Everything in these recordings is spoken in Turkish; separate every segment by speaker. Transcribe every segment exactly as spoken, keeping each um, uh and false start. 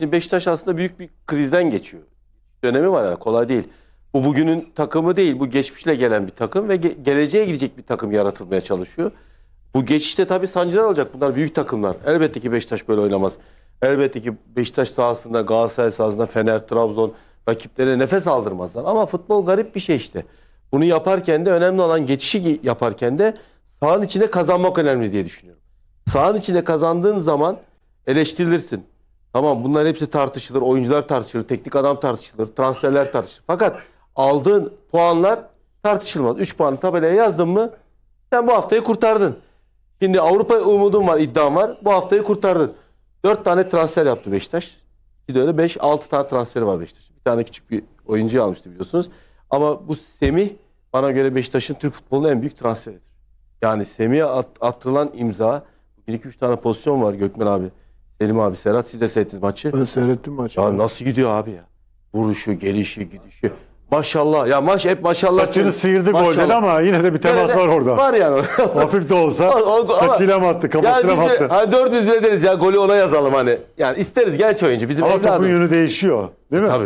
Speaker 1: Şimdi Beşiktaş aslında büyük bir krizden geçiyor. Dönemi var yani, kolay değil. Bu bugünün takımı değil. Bu geçmişle gelen bir takım ve ge geleceğe gidecek bir takım yaratılmaya çalışıyor. Bu geçişte tabii sancılar olacak. Bunlar büyük takımlar. Elbette ki Beşiktaş böyle oynamaz. Elbette ki Beşiktaş sahasında, Galatasaray sahasında, Fener, Trabzon rakiplere nefes aldırmazlar. Ama futbol garip bir şey işte. Bunu yaparken de önemli olan, geçişi yaparken de sahanın içinde kazanmak önemli diye düşünüyorum. Sahanın içinde kazandığın zaman eleştirilirsin. Tamam, bunların hepsi tartışılır. Oyuncular tartışılır, teknik adam tartışılır, transferler tartışılır. Fakat aldığın puanlar tartışılmaz. üç puanı tabelaya yazdın mı sen bu haftayı kurtardın. Şimdi Avrupa umudun var, iddian var. Bu haftayı kurtardın. dört tane transfer yaptı Beşiktaş. Bir de öyle beş altı tane transferi var Beşiktaş. Bir tane küçük bir oyuncuyu almıştı biliyorsunuz. Ama bu Semih bana göre Beşiktaş'ın Türk futbolunun en büyük transferidir. Yani Semih'e at, atılan imza, bir iki üç tane pozisyon var Gökmen abi. Selim abi, Serhat, siz de seyrettiniz maçı.
Speaker 2: Ben seyrettim maçı.
Speaker 1: Ya nasıl gidiyor abi ya? Vuruşu, gelişi, gidişi. Maşallah. Ya maç hep maşallah.
Speaker 3: Saçını sıyırdı golden ama yine de bir temas var orada.
Speaker 1: Var yani.
Speaker 3: Hafif de olsa
Speaker 1: O- o-
Speaker 3: saçıyla mı attı, kafasına mı
Speaker 1: yani biz de,
Speaker 3: attı?
Speaker 1: hani dört yüz bile deriz ya, golü ona yazalım hani. Yani isteriz genç oyuncu. Bizim
Speaker 3: Ama topun
Speaker 1: evladımız.
Speaker 3: yönü değişiyor. Değil mi?
Speaker 1: Tabii.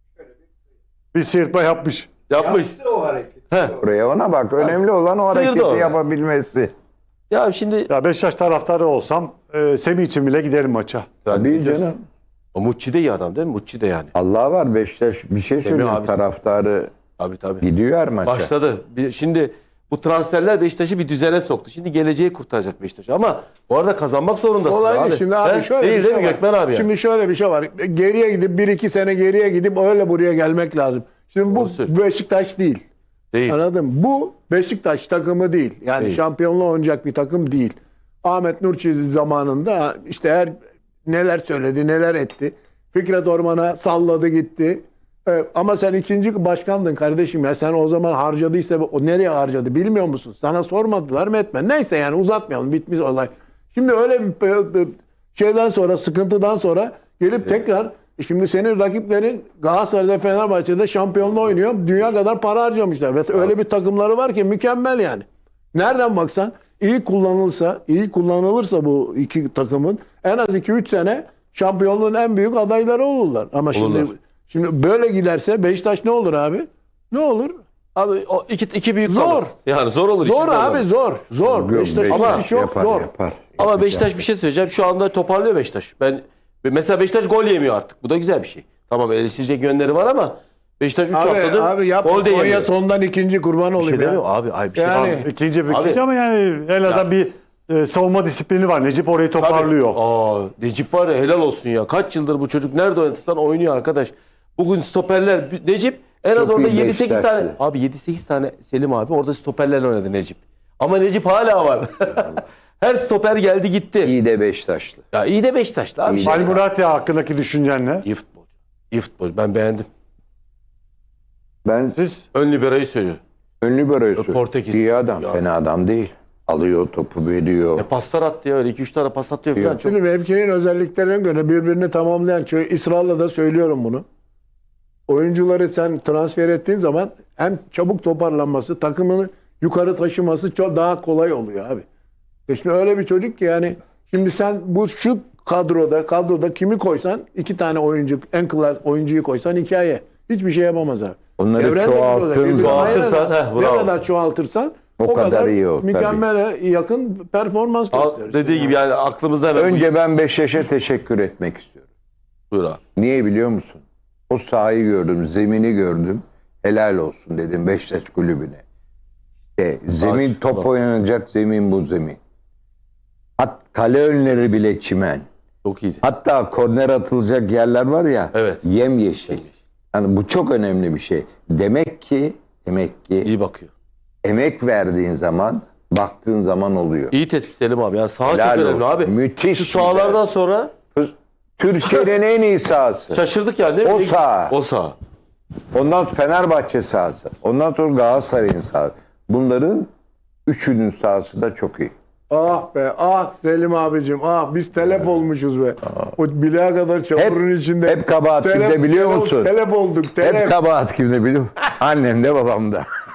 Speaker 3: Bir sıyırtma yapmış.
Speaker 1: Yapmış.
Speaker 2: o hareket.
Speaker 4: Oraya ona bak. Önemli olan o
Speaker 1: Sıyırdı
Speaker 4: hareketi
Speaker 1: orada.
Speaker 4: yapabilmesi.
Speaker 1: Ya şimdi
Speaker 3: Ya Beşiktaş taraftarı olsam e, Semih için bile giderim maça.
Speaker 4: Tabii canım.
Speaker 1: o Mucci de iyi adam değil mi? Mucci de yani.
Speaker 4: Allah var, Beşiktaş bir şey söylüyor.
Speaker 1: abi.
Speaker 4: Taraftarı
Speaker 1: Tabii tabii.
Speaker 4: gidiyor her maça.
Speaker 1: Başladı. Bir- Şimdi bu transferler Beşiktaş'ı bir düzene soktu. Şimdi geleceği kurtaracak Beşiktaş. Ama bu arada kazanmak zorundasın
Speaker 2: Olay
Speaker 1: abi.
Speaker 2: değil. Şimdi abi
Speaker 1: He?
Speaker 2: şöyle
Speaker 1: değil
Speaker 2: bir
Speaker 1: değil
Speaker 2: şey
Speaker 1: mi
Speaker 2: var.
Speaker 1: Gökmen abi ya?
Speaker 2: Şimdi şöyle bir şey var. Geriye gidip bir iki sene geriye gidip öyle buraya gelmek lazım. Şimdi bu
Speaker 1: söylüyorsun.
Speaker 2: Beşiktaş değil.
Speaker 1: Değil.
Speaker 2: Anladın mı? Bu Beşiktaş takımı değil. Yani
Speaker 1: Değil.
Speaker 2: şampiyonluğa oynayacak bir takım değil. Ahmet Nur Çiğ zamanında işte her neler söyledi, neler etti. Fikret Orman'a salladı gitti. Evet, ama sen ikinci başkandın kardeşim ya. Sen o zaman harcadıysa o nereye harcadı bilmiyor musun? Sana sormadılar mı etme. Neyse yani uzatmayalım, bitmiş olay. Şimdi öyle bir, bir şeyden sonra, sıkıntıdan sonra gelip tekrar şimdi senin rakiplerin Galatasaray'da, Fenerbahçe'de şampiyonluğu oynuyor. Dünya kadar para harcamışlar. Ve öyle bir takımları var ki mükemmel yani. Nereden baksan iyi kullanılsa, iyi kullanılırsa bu iki takımın en az iki üç sene şampiyonluğun en büyük adayları olurlar. Ama şimdi
Speaker 1: Olurlar.
Speaker 2: şimdi böyle giderse Beşiktaş ne olur abi? Ne olur?
Speaker 1: Abi o iki, iki büyük
Speaker 2: Zor.
Speaker 1: kalır. Yani zor olur.
Speaker 2: Zor
Speaker 1: işin
Speaker 2: abi,
Speaker 1: zor.
Speaker 2: zor. Zor. Beşiktaş'ın
Speaker 4: Beşiktaş
Speaker 2: işi çok
Speaker 4: yapar,
Speaker 2: zor.
Speaker 4: yapar.
Speaker 1: Ama
Speaker 4: Yapacak.
Speaker 1: Beşiktaş bir şey söyleyeceğim. Şu anda toparlıyor Beşiktaş. Ben mesela Beşiktaş gol yemiyor artık. Bu da güzel bir şey. Tamam, eleştirecek yönleri var ama Beşiktaş üç
Speaker 2: Abi,
Speaker 1: haftadır
Speaker 2: abi yapma.
Speaker 1: gol de
Speaker 2: Konya
Speaker 1: yemiyor.
Speaker 2: sondan ikinci kurban
Speaker 1: Bir şey
Speaker 2: olayım ya.
Speaker 1: demiyorum abi. Ay, bir şey
Speaker 2: Yani-
Speaker 1: abi.
Speaker 3: İkinci bir
Speaker 1: Abi-
Speaker 3: ikinci ama yani en azından bir e, savunma disiplini var. Necip orayı toparlıyor.
Speaker 1: Aa, Necip var ya, helal olsun ya. Kaç yıldır bu çocuk nerede oynatırsan oynuyor arkadaş. Bugün stoperler Necip en az
Speaker 4: Çok
Speaker 1: orada
Speaker 4: iyi
Speaker 1: yedi sekiz tane.
Speaker 4: Beşiktaşlı.
Speaker 1: Abi yedi sekiz tane Selim abi orada stoperlerle oynadı Necip. Ama Necip hala var. Her stoper geldi gitti.
Speaker 4: İyi de Beşiktaşlı.
Speaker 1: Ya iyi de Beşiktaşlı abi.
Speaker 4: İyi
Speaker 1: Şey-
Speaker 3: Ali Murat ya hakkındaki düşüncen ne?
Speaker 1: İyi futbolcu. İyi futbolcu. Ben beğendim.
Speaker 4: Ben
Speaker 3: Siz
Speaker 1: Ön libero'yu söylüyor.
Speaker 4: ünlü böyle
Speaker 1: Portekiz.
Speaker 4: İyi adam.
Speaker 1: Ya.
Speaker 4: Fena adam değil. Alıyor, topu veriyor.
Speaker 1: E paslar attı ya, öyle iki üç tane pas atıyor falan.
Speaker 4: Yok.
Speaker 1: Çok...
Speaker 2: Şimdi mevkinin özelliklerine göre birbirini tamamlayan, çok ısrarla da söylüyorum bunu. Oyuncuları sen transfer ettiğin zaman hem çabuk toparlanması, takımını yukarı taşıması çok daha kolay oluyor abi. E şimdi öyle bir çocuk ki yani şimdi sen bu şu kadroda kadroda kimi koysan iki tane oyuncu, en klas oyuncuyu koysan hikaye. Hiçbir şey yapamaz abi.
Speaker 4: Onları
Speaker 2: Evrende
Speaker 4: çoğalttığın
Speaker 2: birbirine
Speaker 4: zaman-
Speaker 1: Çoğaltırsan,
Speaker 2: ayırarak
Speaker 1: heh,
Speaker 2: ne
Speaker 1: bravo.
Speaker 2: kadar çoğaltırsan
Speaker 4: O
Speaker 2: o,
Speaker 4: kadar
Speaker 2: kadar,
Speaker 4: iyi o, tabii.
Speaker 2: mükemmele yakın performans
Speaker 1: Al,
Speaker 2: gösterirsin.
Speaker 1: dediği gibi yani aklımızda hemen.
Speaker 4: Önce ben Beşiktaş'a teşekkür etmek istiyorum.
Speaker 1: Buyur abi.
Speaker 4: Niye biliyor musun? O sahayı gördüm, zemini gördüm. Helal olsun dedim Beşiktaş kulübüne. İşte zemin,
Speaker 1: Ağaç,
Speaker 4: top
Speaker 1: bak.
Speaker 4: oynanacak zemin bu zemin. Hat, kale önleri bile çimen.
Speaker 1: Çok iyiydi.
Speaker 4: Hatta korner atılacak yerler var ya,
Speaker 1: Evet.
Speaker 4: yemyeşil. Yani bu çok önemli bir şey. Demek ki, demek ki
Speaker 1: İyi bakıyor.
Speaker 4: emek verdiğin zaman, baktığın zaman oluyor.
Speaker 1: İyi tespit Selim abi. Yani saha
Speaker 4: Helal
Speaker 1: çok önemli
Speaker 4: olsun.
Speaker 1: abi.
Speaker 4: Müthiş
Speaker 1: Şu
Speaker 4: bir
Speaker 1: sahalardan sonra
Speaker 4: Türkiye'nin en iyi sahası.
Speaker 1: şaşırdık yani değil mi?
Speaker 4: O saha.
Speaker 1: O saha.
Speaker 4: Ondan sonra Fenerbahçe sahası. Ondan sonra Galatasaray'ın sahası. Bunların üçünün sahası da çok iyi.
Speaker 2: Ah be ah Selim abicim ah biz telef olmuşuz be. O bileğe kadar çamurun
Speaker 4: Hep-
Speaker 2: içinde.
Speaker 4: hep kabahat
Speaker 2: Telef-
Speaker 4: kimde biliyor
Speaker 2: telef-
Speaker 4: musun?
Speaker 2: Telef olduk telef.
Speaker 4: Hep kabahat kimde biliyor musun? Annem de babam da.